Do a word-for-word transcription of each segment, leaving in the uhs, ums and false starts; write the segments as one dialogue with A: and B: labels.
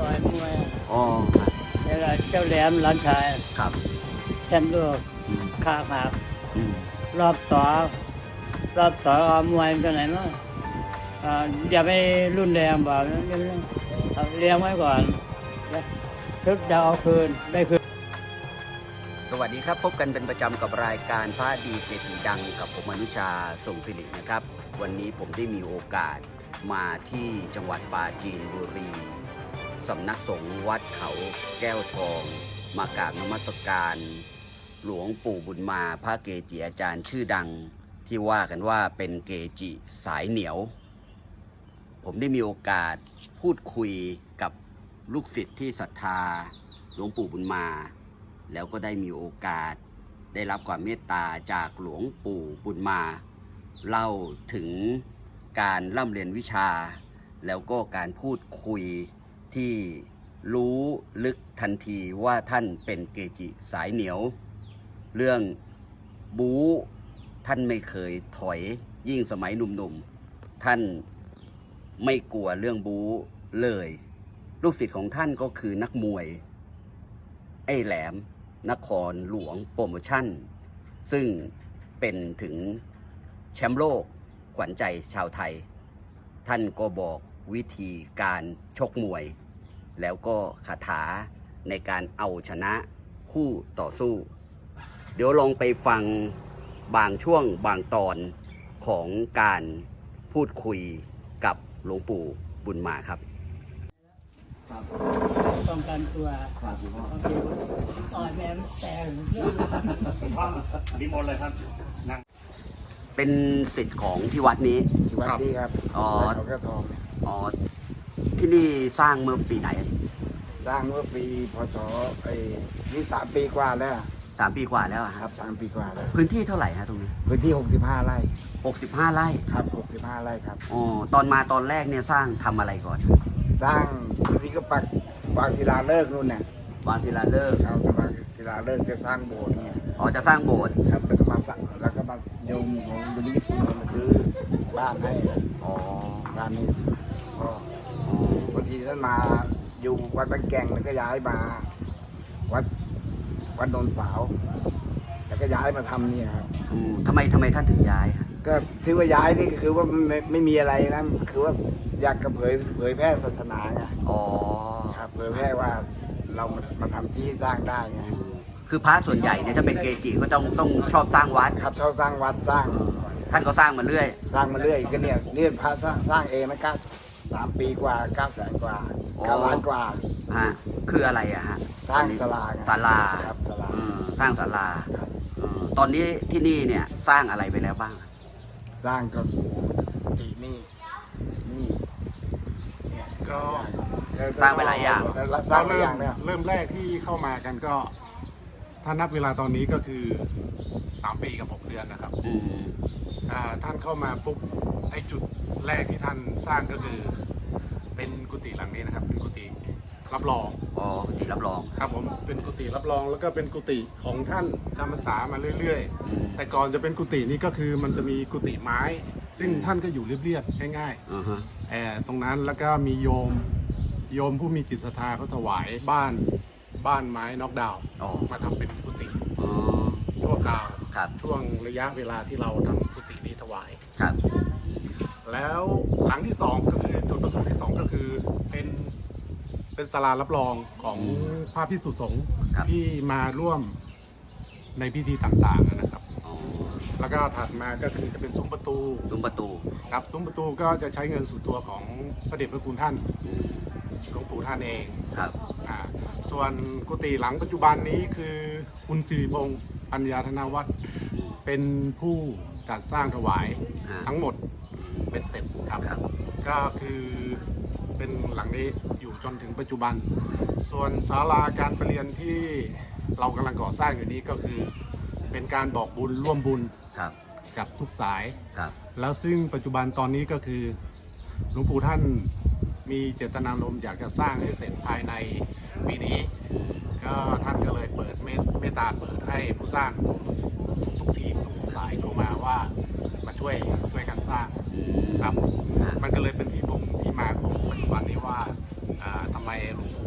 A: ต่อยมวย
B: อ๋อครับ
A: แล้วก็เจ้าแหลมหลานชาย
B: ครับ
A: แชมป์โลก
B: อืม
A: ขาหัก
B: อืม
A: รอบต่อรอบต่อเอามวยตัวไหนเนาะอ่าอย่าไปรุนแรงบอกนะอย่าไปเอาเลี้ยงไว้ก่อนแล้วชุดจะเอาคืนได้คืน
B: สวัสดีครับพบกันเป็นประจำกับรายการพระดีเศรษฐีดังกับผมอนุชาส่งสิรินะครับ วันนี้ผมได้มีโอกาสมาที่จังหวัดปราจีนบุรีสำนักสงฆ์วัดเขาแก้วทอง มากราบนมัสการหลวงปู่บุญมาพระเกจิอาจารย์ชื่อดังที่ว่ากันว่าเป็นเกจิสายเหนียว ผมได้มีโอกาสพูดคุยกับลูกศิษย์ที่ศรัทธาหลวงปู่บุญมา แล้วก็ได้มีโอกาสได้รับความเมตตาจากหลวงปู่บุญมาเล่าถึงการร่ำเรียนวิชา แล้วก็การพูดคุยที่รู้ลึกทันทีว่าท่านเป็นเกจิสายเหนียว เรื่องบู๊ท่านไม่เคยถอยยิ่งสมัยหนุ่มๆท่านไม่กลัวเรื่องบู๊เลย ลูกศิษย์ของท่านก็คือนักมวยไอ้แหลมนครหลวงโปรโมชั่นซึ่งเป็นถึงแชมป์โลกขวัญใจชาวไทย ท่านก็บอกวิธีการชกมวย แล้วก็คาถาในการเอาชนะคู่ต่อสู้ เดี๋ยวลองไปฟังบางช่วงบางตอนของการพูดคุยกับหลวงปู่บุญมาครับครับ
A: ป้องกันตัว
B: ครับคุณพ่อ
A: โอเคต่อยแม่แต่เรื่อง
C: พ่อนิมนต์เลยครับนั่ง
B: เป็นศิษย์ของที่วัดนี้
D: ที่วัดนี้ครับ
B: อ๋อ
D: เขาแก้วทองเนี่ย
B: อ๋อที่นี่สร้างเมื่อปีไหน
D: สร้างเมื่อปีพศไอ้นี่สามปีกว่าแล้ว
B: สามปีกว่าแล้วอะ
D: ค
B: ค
D: รั
B: รั
D: บบ สามปีกว่าแล้ว
B: พื้นที่เท่าไหร่ฮะตรงนี้
D: พื้นที่หกสิบห้าไร่
B: หกสิบห้าไร่
D: ครับหกสิบห้าไร่ครับ
B: อ๋อตอนมาตอนแรกเนี่ยสร้างทำอะไรก่อน
D: สร้างพื้นที่ก็ปักวางศิลาฤกษ์นู่นน่ะ
B: วางศิลาฤกษ์
D: เอาแต่วางศิลาฤกษ์จะสร้างโบสถ์เนี่ย
B: อ๋อจะสร้างโบสถ์
D: ครับแล้วก็มาสั่งแล้วก็มาโยมของบุญญี่ปุ่นมาซื้อบ้านให้
B: อ๋อ
D: บ้านนี้ก็บางทีท่านมาอยู่วัดบางแก่งแล้วก็ย้ายมา วัดวัดโนนสาว แล้วก็ย้ายมาทำเนี่ยครับ
B: อืมทำไมทำไมท่านถึงย้ายฮะ
D: ก็ที่ว่าย้ายนี่ก็คือว่าไม่ไม่มีอะไรนะคือว่าอยากจะเผยเผยแพร่ศาสนาไง
B: อ๋อ
D: ครับเผยแพร่ว่าเรามามาทำที่สร้างได้ไง
B: คือพระส่วนใหญ่เนี่ยถ้าเป็นเกจิก็ต้องต้องชอบสร้างวัด
D: ครับชอบสร้างวัดสร้าง
B: ท่านก็สร้างมาเรื่อย
D: สร้างมาเรื่อยก็เนี่ยนี่พระสร้างสร้างเองนะเก้าสามปีกว่าเก้าแสนกว่า
B: อ๋อ
D: เก้าล้านกว่า
B: ฮะคืออะไรอะฮะ
D: สร้างศาลาไง
B: ศาลา
D: ครับศาลา
B: อืมสร้างศาลา
D: ครับ
B: อืมตอนนี้ที่นี่เนี่ยสร้างอะไรไปแล้วบ้าง
D: สร้างก็ตีนี่นี่
C: ก็
B: สร้างไปหลายอย่าง
D: แล้วส
C: ต
D: ร้า
C: อง น
D: ไป
C: เริ่
D: อ
C: ม
D: ย่างเนี่ย
C: เริ่มแรกที่เข้ามากันก็ ถ้านับเวลาตอนนี้ก็คือสามปีกับหกเดือนนะครับ
B: อืม
C: อ่าท่านเข้ามาปุ๊บไอ้จุดแรกที่ท่านสร้างก็คือ เป็นกุฏิหลังนี้นะครับ เป็นกุฏิรับรอง
B: อ๋อที่รับรอง
C: ครับผมเป็นกุฏิรับรองแล้วก็เป็นกุฏิของท่านจำพรรษามาเรื่อย
B: อืม
C: ๆ แต่ก่อนจะเป็นกุฏินี้ก็คือมันจะมีกุฏิไม้ ซึ่งท่านก็อยู่เรียบๆง่ายๆ
B: อ่าฮะ
C: แอร์ตรงนั้นแล้วก็มีโยมโยมผู้มีจิตศรัทธาเขาถวายบ้านบ้านไม้น็อกดาวน์
B: อ๋อ
C: มาทำเป็นกุฏิ
B: อ๋อ
C: ชั่วคราว
B: ครับ
C: ช่วงระยะเวลาที่เราทำกุฏินี้ถวาย
B: ครับ
C: แล้วหลังที่สองก็คือจุดประสงค์ที่สองก็คือเป็นเป็นศาลารับรองของพระภิกษุสงฆ์
B: ครับ
C: ที่มาร่วมในพิธีต่างๆนะครับ
B: อ๋อ
C: แล้วก็ถัดมาก็คือจะเป็นซุ้มประตู
B: ซุ้มประตู
C: ครับซุ้มประตูก็จะใช้เงินส่วนตัวของพระเดชพระคุณท่าน
B: อืม
C: หลวงปู่ท่านเอง
B: ครับ
C: อ่าส่วนกุฏิหลังปัจจุบันนี้คือคุณสิริพงศ์ปัญญาธนวัฒน์เป็นผู้จัดสร้างถวาย
B: อ่า
C: ทั้งหมดเป็นเสร็จครับ
B: ครับ
C: ก็คือเป็นหลังนี้อยู่จนถึงปัจจุบัน ส่วนศาลาการประเรียนที่เรากำลังก่อสร้างอยู่นี้ก็คือ เป็นการบอกบุญร่วมบุญ
B: ครับ
C: กับทุกสาย
B: ครับ
C: แล้วซึ่งปัจจุบันตอนนี้ก็คือหลวงปู่ท่านมีเจตนารมณ์อยากจะสร้างให้เสร็จภายในปีนี้ ก็ท่านก็เลยเปิดเมตเมตตาเปิดให้ผู้สร้างทุกทีมทุกสายเข้ามาว่ามาช่วยช่วยกันสร้าง
B: อืม
C: ครับ
B: อ่า
C: มันก็เลยเป็นที่บ่งที่มาของปัจจุบันนี้ว่าอ่าทำไมหลวงปู่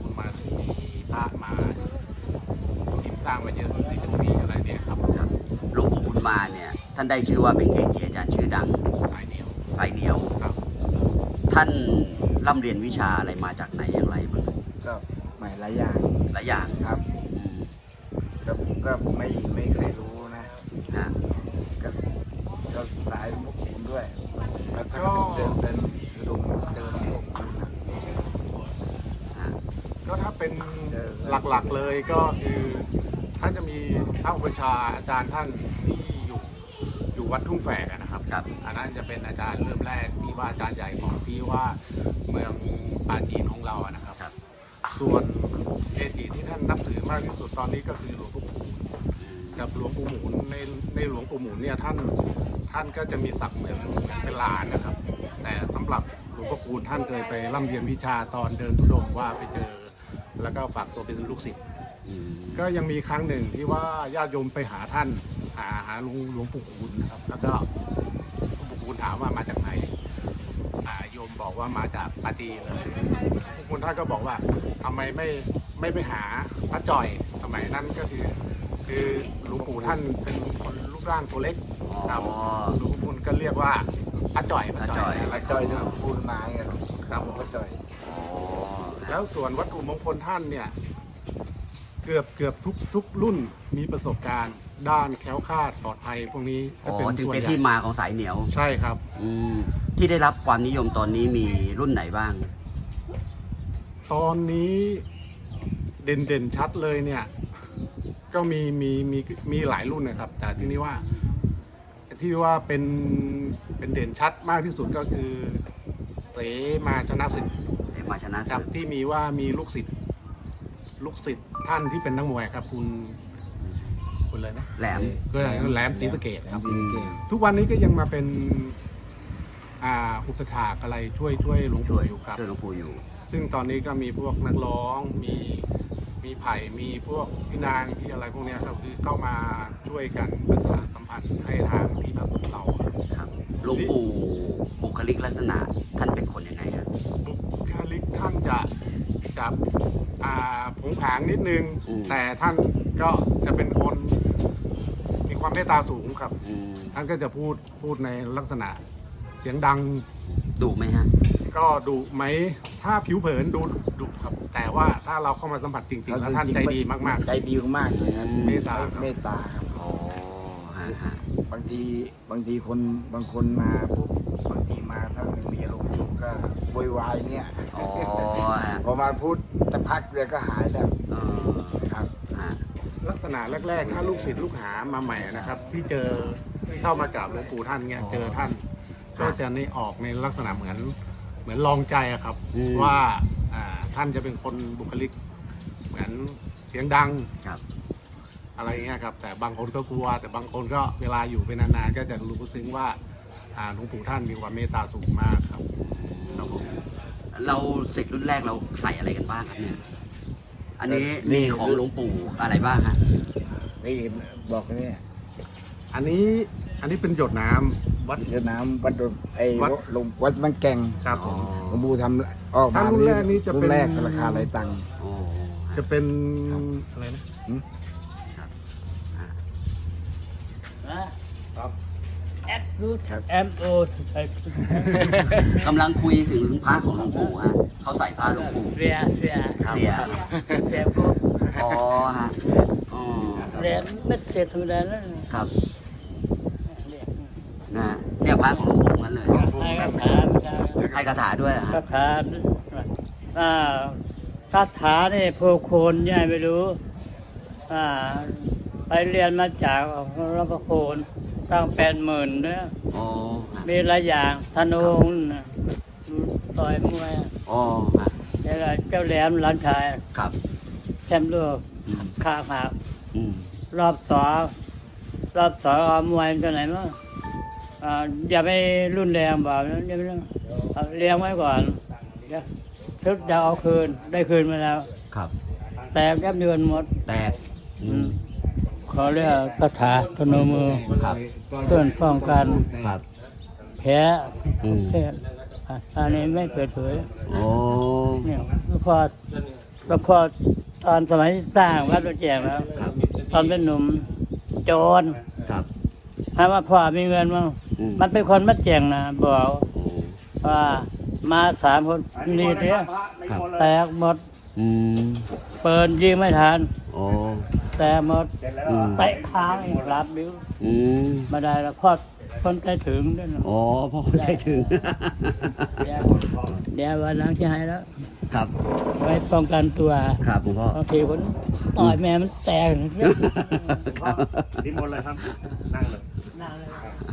B: ท่านได้ชื่อว่าเป็นเกจิอาจารย์ชื่อดัง
C: สายเหนียว
B: สายเหนียว
C: ครับ
B: ท่านร่ำเรียนวิชาอะไรมาจากไหนอย่างไรบ้าง
D: ก็ใหม่หลายอย่าง
B: หลายอย่าง
D: ครับ
B: อืม
D: ก็ก็ไม่ไม่เคยรู้นะ
B: ฮะ
D: ก็ก็สายพวกคุณด้วยแล้วก็เดินเป็นคือดงเดินพวกคุณนะ
B: ฮะ
C: ก็ถ้าเป็น
D: เออ
C: หลักๆเลยก็คือท่านจะมีพระอุปชฌาย์อาจารย์ท่านที่อยู่อยู่วัดทุ่งแฝกอะนะครับ
B: ครับ
C: อันนั้นจะเป็นอาจารย์เริ่มแรกที่ว่าอาจารย์ใหญ่ของที่ว่าเมืองปาจีนของเราอะนะครับ
B: ครับ
C: ส่วนเกจิที่ท่านนับถือมากที่สุดตอนนี้ก็คือหลวงปู่หมุน
B: อืม
C: กับหลวงปู่หมุนในในหลวงปู่หมุนเนี่ยท่านท่านก็จะมีศักดิ์เหมือนเป็นหลานนะครับ แต่สำหรับหลวงพ่อคูณท่านเคยไปร่ำเรียนวิชาตอนเดินธุดงค์ว่าไปเจอ แล้วก็ฝากตัวเป็นลูกศิษย์
B: อืม
C: ก็ยังมีครั้งหนึ่งที่ว่าญาติโยมไปหาท่านหาหาหลวงหลวงปู่คูณนะครับ แล้วก็หลวงปู่คูณถามว่ามาจากไหนอ่าโยมบอกว่ามาจากปาจีนเลยหลวงปู่คูณท่านก็บอกว่าทำไมไม่ไม่ไปหาพระจ่อยสมัยนั้นก็คือ คือหลวงปู่ท่านเป็นคนรูปร่างตัวเล็กครับ
B: อ๋อ
C: หลวงปู่คูณก็เรียกว่าพระจ่อย
B: พระจ่อย
C: แล้ว
D: จอยนึกปูนไม้อะ
C: ครับผม
D: ก็จอย
B: อ๋อ
C: แล้วส่วนวัตถุมงคลท่านเนี่ย เกือบเกือบทุกทุกรุ่นมีประสบการณ์ ด้านแคล้วคลาดปลอดภัยพวกนี้
B: อ๋
C: ก็
B: อ
C: เป็น
B: จึง
C: ส่วน
B: เป็น
C: ใหญ่
B: ที่มาของสายเหนียว
C: ใช่ครับ
B: อืมที่ได้รับความนิยมตอนนี้มีรุ่นไหนบ้าง
C: ตอนนี้เด่นเด่นชัดเลยเนี่ย ก็มีมีมีมีหลายรุ่นนะครับ แต่ที่นี้ว่า ที่ว่าเป็นเป็นเด่นชัดมากที่สุดก็คือ เสมาชนะสิทธิ์
B: เสมาชนะ
C: ครั
B: ศึ
C: บ
B: ก
C: ที่มีว่ามีลูกศิษย์ลูกศิษย์ท่านที่เป็นนักมวยครับ คุณคุณเลยนะ
B: แหลม
C: ก็แหลมศรีสะเกษครับ
D: ศรีสะเกษ
C: ทุกวันนี้ก็ยังมาเป็น อ่าอุปถากอะไรช่วยช่วยหลวง
B: ช่
C: ปู่
B: วย
C: อยู่ครับ
B: ช่วยหลวงปู่อยู่
C: ซึ่งตอนนี้ก็มีพวกนักร้องมีมีไผ่มีพวกพี่นางที่อะไรพวกเนี้ยครับคือเข้ามาช่วยกันประชาสัมพันธ์ให้ทางที่พระพุทธเราครับ
B: ครับหลวงปู่บุคลิกลักษณะท่านเป็นคนยังไงฮะ
C: บุคลิกท่านจะจะอ่าผงผางนิดนึง แต่ท่านก็จะเป็นคนมีความเมตตาสูงครับ
B: อืม
C: ท่านก็จะพูดพูดในลักษณะเสียงดัง
B: ดุไหมฮะ
C: ก็ดุไหมถ้าผิวเผินดูดุครับ แต่ว่าถ้าเราเข้ามาสัมผัสจริงๆแล้วท่านใจดีมากๆ
D: ใจดีมากๆเลยครับ
C: เมตตาครับ
D: เมตตาครับ
B: อ๋อฮะฮะ
D: บางทีบางทีคนบางคนมาปุ๊บบางทีมาถ้ามันมีอารมณ์ทุกข์ก็โวยวายเงี้ย
B: อ๋อฮะ
D: พอมาพูดจะพักเดียวก็หายแล้ว
B: เออ
D: ครับ
B: ฮะ
C: ลักษณะแรกๆ ถ้าลูกศิษย์ลูกหามาใหม่นะครับ ที่เจอที่เข้ามากราบหลวงปู่ท่านเงี้ยเจอท่าน ก็จะนี่ออกในลักษณะเหมือนเหมือนลองใจอะครับ ว่าอ่าท่านจะเป็นคนบุคลิก เหมือนเสียงดัง
B: ครับ
C: อะไรเงี้ยครับ แต่บางคนก็กลัว แต่บางคนก็เวลาอยู่เป็นนานๆก็จะรู้ซึ้งว่าอ่าหลวงปู่ท่านมีความเมตตาสูงมากครับครับผม
B: เราศิษย์รุ่นแรกเราใส่อะไรกันบ้างครับเนี่ย อันนี้
D: นี่
B: มีของหลวงปู่อะไรบ้างฮะ
D: นี่บอกเนี่ย
C: อันนี้อันนี้เป็นหยดน้ำวัด
D: เรือน้ำวัดดงไอ้
C: วัด
D: ลงวัดบางแกง
C: ครับผม
D: หลวงปู่ทำออกมา
C: ถ้ารุ่นแรกนี่จะเป็น
D: รุ่นแรกราคาหลายตังค์
B: โอ้ฮะ
C: จะเป็นอะไรนะ
A: ครับแอดรูทแอมโอก
B: ำลังคุยถึงพระของหลวงปู่ฮะเขาใส่พระหลวงปู่
A: เสียเสีย
B: เสีย
A: เสียปุ๊บ
B: อ๋อฮะอ๋อ
A: เสียไม่เสียธรรมดาแล้ว
B: ครับ
A: เนี่ย
B: นะฮะเนี่ยพระของหลวงปู่งั้นเลย
A: ให้คาถาคา
B: ให้คาถาด้วยเหรอฮะ
A: คาถาอ่าคาถาเนี่ยโพโคนยายไม่รู้อ่าไปเรียนมาจากรับประโคนตั้งแปดหมื่นเนี่ย
B: อ๋อฮะ
A: มีหลายอย่างธนูน่ะต่อยมวย
B: อ๋อฮะ
A: แล้วก็เจ้าแหลมหลานชาย
B: ครับ
A: แชมป์โลก
B: อืม
A: ข้าวขา
B: อืม
A: รอบสองรอบสองเอามวยตัวไหนมั้งอ่าอย่าไปรุนแรงแบบนั้นอย่าไปเรื่องเอาเลี้ยงไว้ก่อนเดี๋ยวชุดจะเอาคืนได้คืนมาแล้ว
B: ครับ
A: แตกแก้มเดือนหมด
B: แตกอืม
A: เขาเรียกคาถาธนูมือ
B: ครับ
A: เพื่อนป้องกัน
B: ครับ
A: แพ้
B: อืม
A: แพ้อ่ะอันนี้ไม่เปิดเผย
B: โอ้
A: เนี่ยแล้วพอแล้วพอตอนสมัยสร้างวัดพระแจกแล้ว
B: ครับ
A: ตอนเป็นหนุ่มโจร
B: ครับ
A: ถามว่าพ่อมีเงินมั้ง
B: อืม
A: มันเป็นคนมาแจ้งนะบอก
B: อืม
A: ว่ามาสามคนนี่เนี่ย
B: ครับ
A: แตกหมด
B: อืม
A: เปิดยิงไม่ทัน
B: โอ้
A: แตกหมด
B: อืม
A: เตะค้างอีกรับบิ้ว
B: อืม
A: มาได้แล้วพ่อคนใจถึงด้วยนะ
B: อ๋อพ่อคนใจถึง
A: เดี๋ยวเดี๋ยววันหลังจะให้แล้ว
B: ครับ
A: ไว้ป้องกันตัว
B: ครับหลวงพ่อบ
A: างทีคนต่อยแม่มันแตก
B: ครับ
E: นิมนต์เลยครับ นั่งเลย
A: นั่งเลย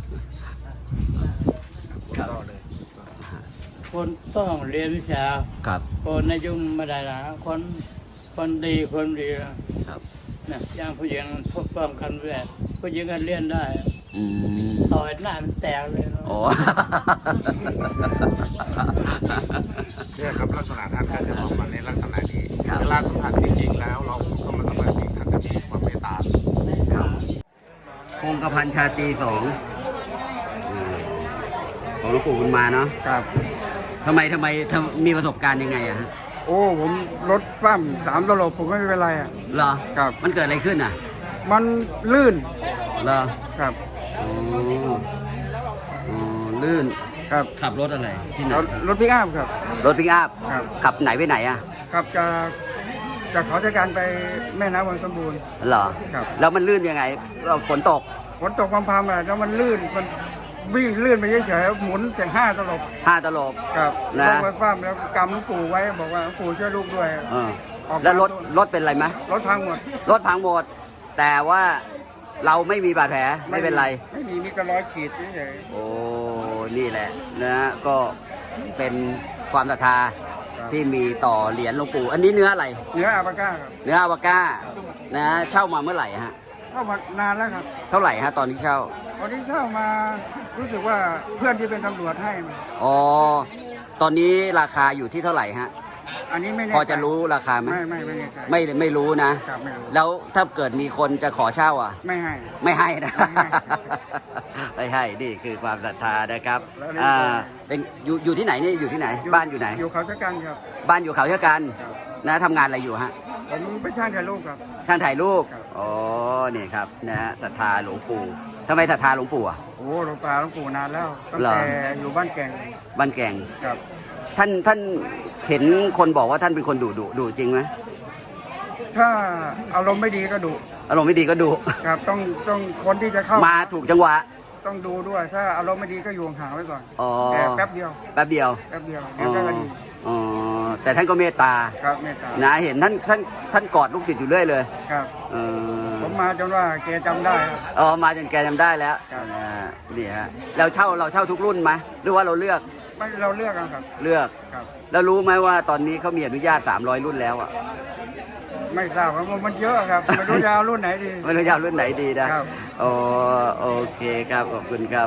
B: ครับ
A: คนต้องเรียนวิชา
B: ครับ
A: คนในยุ่งไม่ได้ละคนคนดีคนดีนะครับ นะอย่างผู้หญิงพวกป้องกันแวดผู้หญิงกันเรียนได้
B: อืม
A: ต่อยหน้ามันแตกเลยเนอะ
B: โอ้
C: เนี่ยครับลักษณะท่านก็จะออกมาในลักษณะนี้
B: ครับ
C: เวลาสัมผัสจริงๆแล้วเราเข้ามาสัมผัสจริงท่านจะมีความเมตตา
B: ครับคงกระพันชาตรีสองอืมของหลวงปู่บุญมาเนาะ
D: ครับ
B: ทำไมทำไมทำมีประสบการณ์ยังไงอะฮะ
D: โอ้ผมรถปั้มสามตลบผมไม่เป็นไรอ่ะ
B: เหรอ
D: ครับ
B: มันเกิดอะไรขึ้นอ่ะ
D: มันลื่น
B: เหรอ
D: ครับ
B: อ๋ออ๋อลื่น
D: ครับ
B: ขับรถอะไรที่ไหน
D: รถรถพิกอัพครับ
B: รถปิกอัพ
D: ครับ
B: ขับไหนไปไหนอ่ะ
D: ขับจากจากเขาจัดการไปแม่น้ำวังสมบูรณ์
B: เหรอ
D: ครับ
B: แล้วมันลื่นยังไงเราฝนตก
D: ฝนตกพรำๆอ่ะแล้วมันลื่นมันวิ่งลื่นไปเฉยๆหมุนเสียงห้าตลบ
B: ห้าตลบ
D: ครับ
B: นะ
D: ลงไปปั้มแล้วกำหลวงปู่ไว้บอกว่าหลวงปู่ช่วยลูกด้วย
B: เออ
D: ออก
B: แล้วรถ
D: มา
B: รถเป็นไรไหม
D: รถพังหมด
B: รถพังหมด แต่ว่าเราไม่มีบาดแผลไม่เป็นไร
D: ไม่มีมีกระร้อยขีดเฉย
B: โอ้ นี่แหละนะฮะก็เป็นความศรัทธาที่มีต่อเหรียญหลวงปู่ อันนี้เนื้ออะไร
D: ๆเนื้ออาปาก้าครับ
B: เนื้ออาวาก้านะเช่ามาเมื่อไหร่ฮะ
D: เข้ามานานแล้วครับ
B: เท่าไหร่ฮะตอนที่เช่า
D: ตอนที่เช่ามารู้สึกว่าเพื่อนที่เป็นตำรวจให้มา
B: อ๋อ ตอนนี้ราคาอยู่ที่เท่าไหร่ฮะ
D: อันนี้ไม่แน่
B: พอจะรู้ราคาไหม
D: ไม่ไม่ไม่แน่ใจ
B: ไม่ไม่รู้นะ
D: ครับไม่รู้
B: แล้วถ้าเกิดมีคนจะขอเช่าอ่ะ
D: ไม่ให้
B: ไม่ให้นะ
D: ไม่ให้
B: ไม่ให้ นี่คือความศรัทธานะครับ
D: แล้วนี่
B: อ่า เป็นอยู่อยู่ที่ไหนนี่อยู่ที่ไหน บ้านอยู่ไหน
D: อยู่เขาชะกันครับ
B: บ้านอยู่เขาเช่ากัน
D: ครับ
B: นะทำงานอะไรอยู่ฮะ
D: ผมเป็นช่างถ่ายรูปครับ
B: ช่างถ่ายรูป
D: ครับ
B: อ๋อ นี่ครับนะฮะศรัทธาหลวงปู่ทำไมศรัทธาหลวงปู่อ่ะ
D: โอ้หลวงตาหลวงปู่นานแล้วตั้ง
B: เหรอ
D: แต่อยู่บ้านแก่ง
B: บ้านแก่ง
D: ครับ
B: ท่านท่านเห็นคนบอกว่าท่านเป็นคนดุดุดุจริงไหม
D: ถ้าอารมณ์ไม่ดีก็ดุ
B: อารมณ์ไม่ดีก็ดุ
D: ครับต้องต้องคนที่จะเข้า
B: มาถูกจังหวะ
D: ต้องดูด้วย ถ้าอารมณ์ไม่ดีก็อยู่ห่างๆไว้ก่อน
B: อ๋อ
D: แต่แป๊บเดียว
B: แป๊บเดียว
D: แป๊บเดียว
B: อ๋
D: เดี๋ยว
B: อ
D: ก็ดี
B: อ๋อแต่ท่านก็เมตตา
D: ครับเมตตา
B: นะเห็นท่านท่านท่านกอดลูกศิษย์อยู่เรื่อยเลย
D: ครับ
B: เออ
D: ผมมาจนว่าแกจำได้ครับ
B: อ๋อมาจนแกจำได้แล้ว
D: ครับ
B: นะฮะนี่ฮะเราเช่าเราเช่าทุกรุ่นไหมหรือว่าเราเลือก
D: ไม่เราเลือกกันครับ
B: เลือก
D: ครับ
B: แล้วรู้ไหมว่าตอนนี้เขามีอนุญาตสามร้อยรุ่นแล้วอ่ะ
D: ไม่ทราบครับมันเยอะครับไม่รู้จะเอารุ่นไหนดี
B: ไม่รู้จะเอารุ่นไหนดีนะครับ โอ้โอเคครับขอบคุณครับ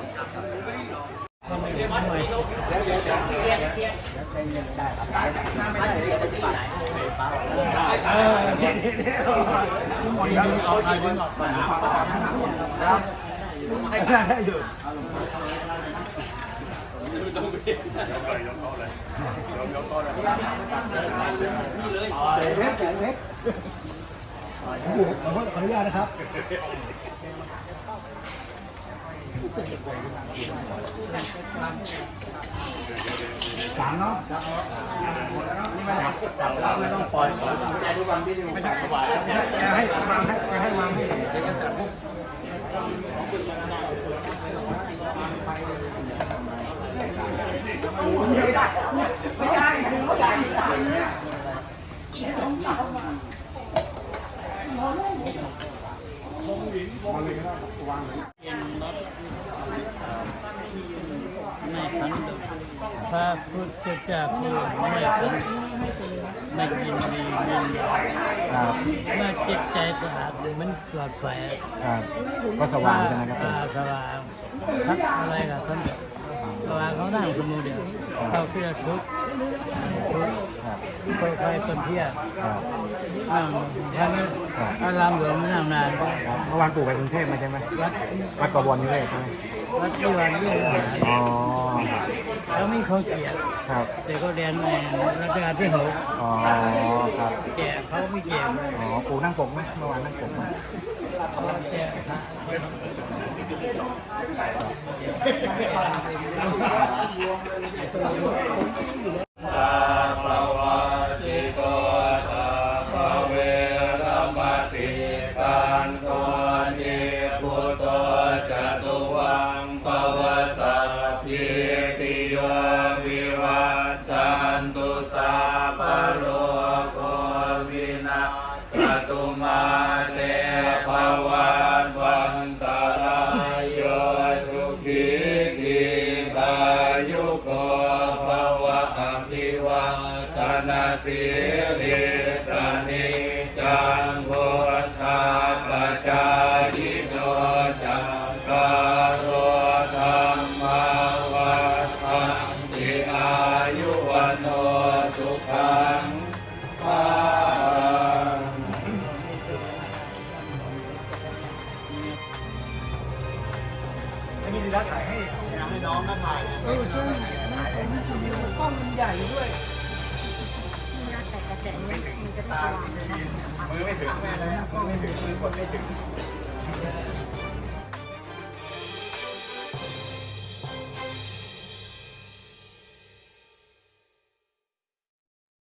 A: ไม่ขันตุพระพุทธเจ้าผู้ไม่ขันตุไม่ยินดียินดีเมื่อจิตใจสะอาดมันปลอดภัย
C: ครับก็สว่างใช่ไหมครับ
A: อ่าสว่างทักอะไรกับท่านสว่างเขานั่งคนเดียวเขาเพื่อทุกข์ทุกข์คนใครคนเที่ยวนั่งท่านอารามหลวงไม่นั่งนาน
C: เมื่อวานปู่ไปกรุงเทพมาใช่ไหม
A: วัด
C: วัดกบวนนี่เลยใช่ไหม
A: วัดที่วันเยี่ยม
C: อ๋อ
A: เขาไม่เขาเกลียด
C: ครับ
A: แต่เขาเรียนในรัชกาลที่หก
C: อ๋อครับ
A: แก่เขาไม่แก่เลย
C: อ๋อปู่นั่งปกไหมเมื่อวานนั่งปกไหม
F: สิริสนิจังพุทธาปัจจายโนจักการโรธรรมวัฏันติอายุวันโนสุขังภาลัง
G: ไม่มีรักถ่ายให้ให้น้องนะถ่ายเออใช่กล้องมันใหญ่ด้วยมือไม่ถึงแม่เลยกล้องไม่ถึงมือกดไม่ถึง